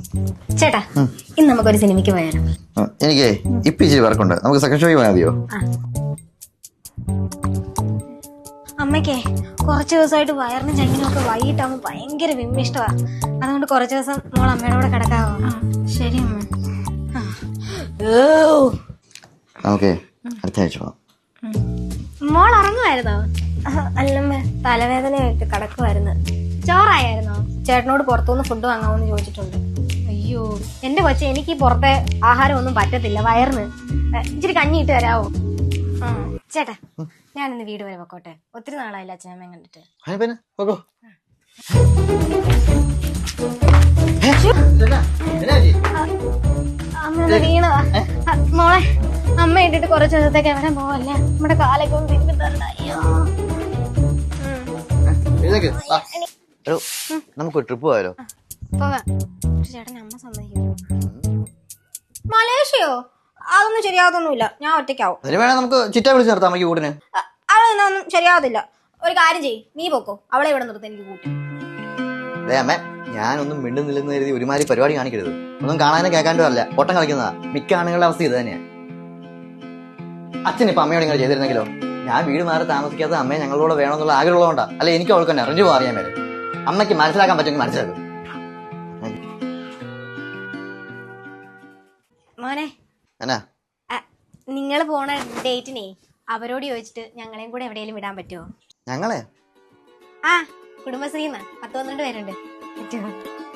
ചേട്ടാ ഇന്ന് നമുക്കൊരു സിനിമയ്ക്ക് പോയാലോ? എനിക്ക് ഇപ്പൊ ഇച്ചിരി വർക്കുണ്ട്, നമുക്ക് സെക്കൻഡ് ഷോയ്ക്ക് പോയാൽ മതിയോ? അമ്മയ്ക്കേ കുറച്ച് ദിവസമായിട്ട് വയറിനും ചങ്ങിനും ഒക്കെ വൈകിട്ടാകുമ്പോൾ ഭയങ്കര വിമ്മിഷ്ടമാണ്. അതുകൊണ്ട് കുറച്ച് ദിവസം മോൾ അമ്മയുടെ കൂടെ കിടക്കാവോ? ശരി അമ്മ. ഓക്കെ, അടുത്ത ആഴ്ച പോവാം. മോൾ ഉറങ്ങുമായിരുന്നോ? അല്ലമ്മ, തലവേദനയായിട്ട് കിടക്കുമായിരുന്നു. ചോറായിരുന്നോ? ചേട്ടനോട് പുറത്തുനിന്ന് ഫുഡ് വാങ്ങാമെന്ന് ചോദിച്ചിട്ടുണ്ട്. അയ്യോ എന്റെ കൊച്ചെ, എനിക്ക് ഈ പുറത്തെ ആഹാരം ഒന്നും പറ്റത്തില്ല വയറിന്. ഇച്ചിരി കഞ്ഞി ഇട്ട് തരാവോ? ചേട്ടാ ഞാനിന്ന് വീട് വരെ പൊക്കോട്ടെ, ഒത്തിരി നാളായില്ല അച്ഛനമ്മയും കണ്ടിട്ട്. അമ്മ വീണതാ. മോളെ, അമ്മ ഇട്ടിട്ട് കുറച്ച് ദിവസത്തേക്ക് എവിടെ പോവല്ലേ? നമ്മുടെ കാലൊക്കെ ഒന്ന് തിരുമ്പി തരണ്ട. അയ്യോ നമുക്ക് ട്രിപ്പ് പോയാലോ? പോകാം. ചേട്ടൻ അമ്മ സമ്മതിക്കും. മലേഷ്യയോ? അതൊന്നും ശരിയാവത്തൊന്നുമില്ല, ഞാൻ ഒറ്റയ്ക്കാവും. നമുക്ക് ചിറ്റ വിളിച്ച് നിർത്താം അമ്മയ്ക്ക് കൂട്ടിന്. അതൊന്നും ശരിയാവത്തില്ല. ഒരു കാര്യം ചെയ്യ്, നീ പൊക്കോ, അവളെ ഇവിടെ നിർത്താൻ എനിക്ക് കൂട്ടി. അമ്മ, ഞാനൊന്നും മിണ്ടുന്നില്ലെന്ന് കരുതി ഒരുമാതിരി പരിപാടി കാണിക്കരുത്. ഒന്നും കാണാനും കേൾക്കാനും അല്ല, ഓട്ടം കളിക്കുന്നതാ. മിക്ക ആണുങ്ങളുടെ അവസ്ഥ ഇത് തന്നെയാ. അച്ഛൻ ഇപ്പൊ അമ്മയോട് ഇങ്ങനെ ചെയ്തിരുന്നെങ്കിലോ? ഞാൻ വീട് മാറി താമസിക്കാത്ത അമ്മയെ ഞങ്ങളോട് വേണമെന്നുള്ള ആഗ്രഹമുള്ളതുകൊണ്ടാ, അല്ലെ എനിക്ക് അവൾക്ക് തന്നെ അറിഞ്ഞു അറിയാൻ മേലെ. അമ്മയ്ക്ക് മനസ്സിലാക്കാൻ പറ്റുമെങ്കിൽ മനസ്സിലാക്കും. മോനെ, നിങ്ങൾ പോണ ഡേറ്റിനെ അവരോട് ചോദിച്ചിട്ട് ഞങ്ങളെയും കൂടെ എവിടെയെങ്കിലും വിടാൻ പറ്റുമോ? ഞങ്ങളെ കുടുംബശ്രീന്ന് 10-12 പേരുണ്ട്. പറ്റുമോ?